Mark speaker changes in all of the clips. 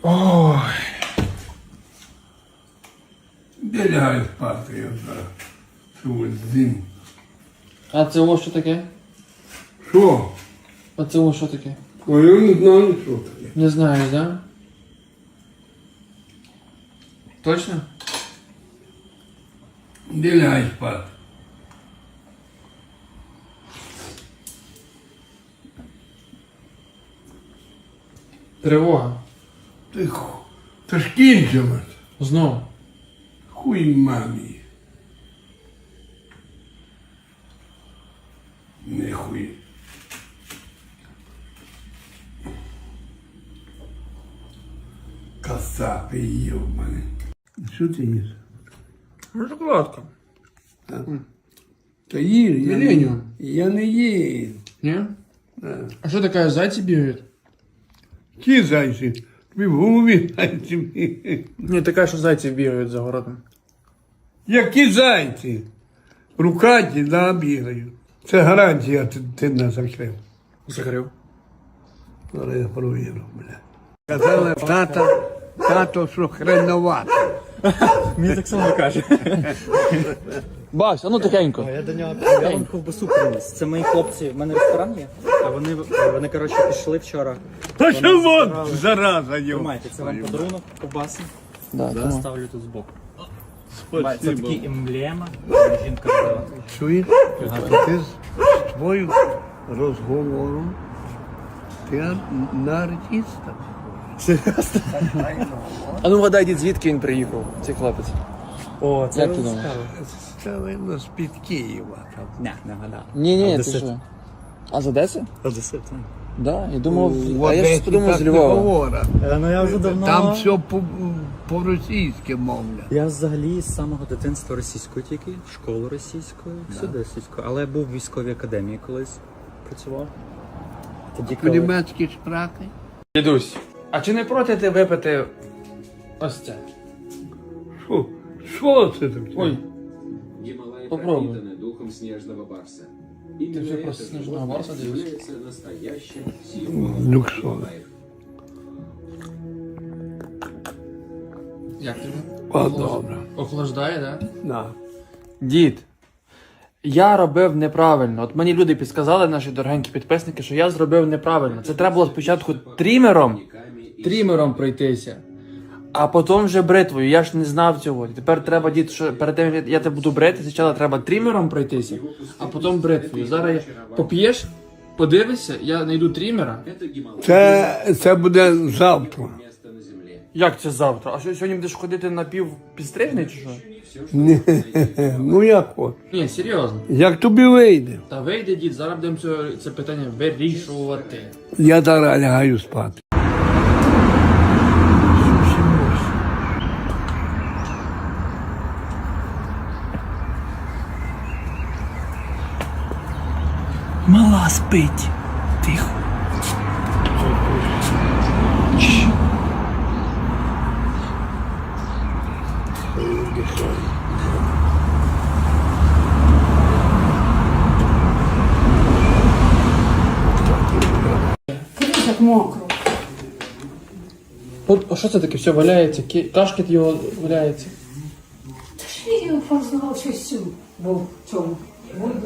Speaker 1: Ой. Де лягаю спати, я зараз. Цю зиму.
Speaker 2: А це ось що таке?
Speaker 1: Що?
Speaker 2: А це ось що таке?
Speaker 1: Ой, я не знаю, що таке.
Speaker 2: Не знаєш, да? Точно?
Speaker 1: Де лягаю спати?
Speaker 2: Тривога.
Speaker 1: Тихо. Та ж кінчилось.
Speaker 2: Знов.
Speaker 1: Хуй мамі. Не хуй. Кацапи йобані. Що ти їш?
Speaker 2: Шоколадка.
Speaker 1: Та їж, я не,
Speaker 2: Міленіум.
Speaker 1: я не їм.
Speaker 2: Ні? А що таке, зайці бігають?
Speaker 1: Ті зайці, тобі в голові зайці.
Speaker 2: Ні, така, що зайці бігають за городом.
Speaker 1: Які зайці? Рукаті, да, бігають. Це гарантія, ти не закрив.
Speaker 2: Закрив.
Speaker 1: Але я провірю, бля. Казали, тато, що хреновато.
Speaker 3: Мені так само каже.
Speaker 2: Бась, а ну тихенько.
Speaker 3: Я до нього я вам ковбасу приніс. Це мої хлопці, в мене ресторан є, а вони коротше, пішли вчора.
Speaker 1: Та що
Speaker 3: Вони
Speaker 1: вон,
Speaker 3: збирали.
Speaker 1: зараза, йо.
Speaker 3: Тримайте, це вам подарунок, ковбаси.
Speaker 2: Да,
Speaker 3: Ставлю тут збоку. Це
Speaker 1: Спасибо.
Speaker 3: такі емблема, жінка робила.
Speaker 1: Чуєш? Ти з твоїм розговором, ти на артиста.
Speaker 2: А ну вгадай, дід, звідки він приїхав, цей хлопець?
Speaker 3: О, це
Speaker 2: Як ти
Speaker 3: цікаво.
Speaker 2: думаєш?
Speaker 1: Це, видно, з-під Києва. Там.
Speaker 3: Не вгадав.
Speaker 2: Ні, ти
Speaker 3: Одесит.
Speaker 2: що? А з Одеси?
Speaker 3: Одесит, так.
Speaker 2: Да, я думав,
Speaker 1: В
Speaker 2: а я
Speaker 1: Одесі
Speaker 2: щось подумав
Speaker 1: так
Speaker 2: з
Speaker 1: не
Speaker 2: Львова.
Speaker 1: говорять.
Speaker 3: Ну я вже давно...
Speaker 1: Там все по-російськи мовлять.
Speaker 3: Я взагалі з самого дитинства російською тільки, школу російською, всюди російською. Але я був в військовій академії колись працював. Тоді коли...
Speaker 1: По-німецьки шпрати?
Speaker 2: Дідусь, а чи не проти ти випити ось це?
Speaker 1: Що це таке?
Speaker 2: Ой,
Speaker 4: Гималай
Speaker 2: Попробуй.
Speaker 4: пропитаны духом снежного барса.
Speaker 2: Ты
Speaker 4: Именно
Speaker 2: же
Speaker 4: это
Speaker 2: просто снежного
Speaker 4: животное
Speaker 2: барса даешь?
Speaker 4: является настоящим символом
Speaker 1: Люксовый.
Speaker 4: Гималаев.
Speaker 2: як тобі?
Speaker 1: О, добре.
Speaker 2: Охлаждає, да?
Speaker 1: Да.
Speaker 2: Дід, я робив неправильно. От мені люди підсказали, наші дорогенькі підписники, що я зробив неправильно. Це треба було спочатку трімером пройтися, а потім вже бритвою. Я ж не знав цього. І тепер треба, дід, що перед тим, як я тебе буду брити, спочатку треба трімером пройтися, а потім бритвою. Зараз я поп'єш, подивишся, я знайду трімера.
Speaker 4: Это Гималай.
Speaker 1: Це буде завтра.
Speaker 4: Место на земле.
Speaker 2: Як це завтра? А що, сьогодні будеш ходити на підстрижний чи що?
Speaker 1: Ні, ну як от.
Speaker 2: Ні, серйозно.
Speaker 1: Як тобі вийде?
Speaker 2: Та вийде, дід, зараз будемо це питання вирішувати.
Speaker 1: Я зараз лягаю спати.
Speaker 2: Мала спить. Тихо.
Speaker 5: Як мокро.
Speaker 2: От, а що це таке? Все валяється, кашкет його валяється.
Speaker 5: Та ж я його фарсував щось цю, бо в цьому воді.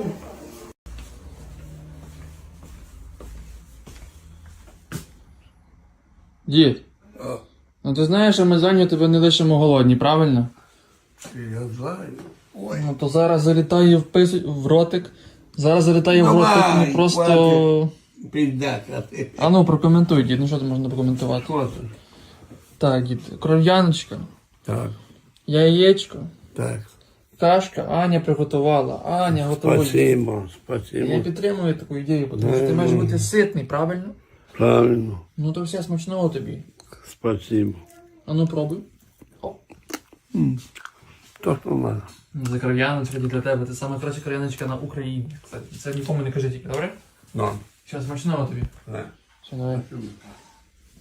Speaker 2: Дід, ну ти знаєш, що ми зайняті тебе не лишимо голодні, правильно?
Speaker 1: Я знаю. Ой.
Speaker 2: Ну то зараз залітає в ротик. Зараз залітає в ротик,
Speaker 1: Давай,
Speaker 2: ну просто...
Speaker 1: Піддяка ти.
Speaker 2: А ну прокоментуй, дід, ну що тут можна прокоментувати?
Speaker 1: Що це?
Speaker 2: Так, дід, кров'яночка,
Speaker 1: Так,
Speaker 2: яєчко,
Speaker 1: так.
Speaker 2: кашка, Аня приготувала, Аня готує.
Speaker 1: Спасибо,
Speaker 2: Я
Speaker 1: спасибо.
Speaker 2: підтримую таку ідею, тому що ти маєш бути ситний, правильно?
Speaker 1: Правильно.
Speaker 2: Ну то все смачного тобі.
Speaker 1: Спасибо.
Speaker 2: А ну пробуй.
Speaker 1: То, що треба.
Speaker 2: За кров'яночка для тебе. Це саме краща кров'яночка на Україні. Кстати, це нікому не кажи тільки, добре?
Speaker 1: Ну,
Speaker 2: Все, смачного тобі.
Speaker 1: так.
Speaker 2: Все, давай.
Speaker 1: Спасибо.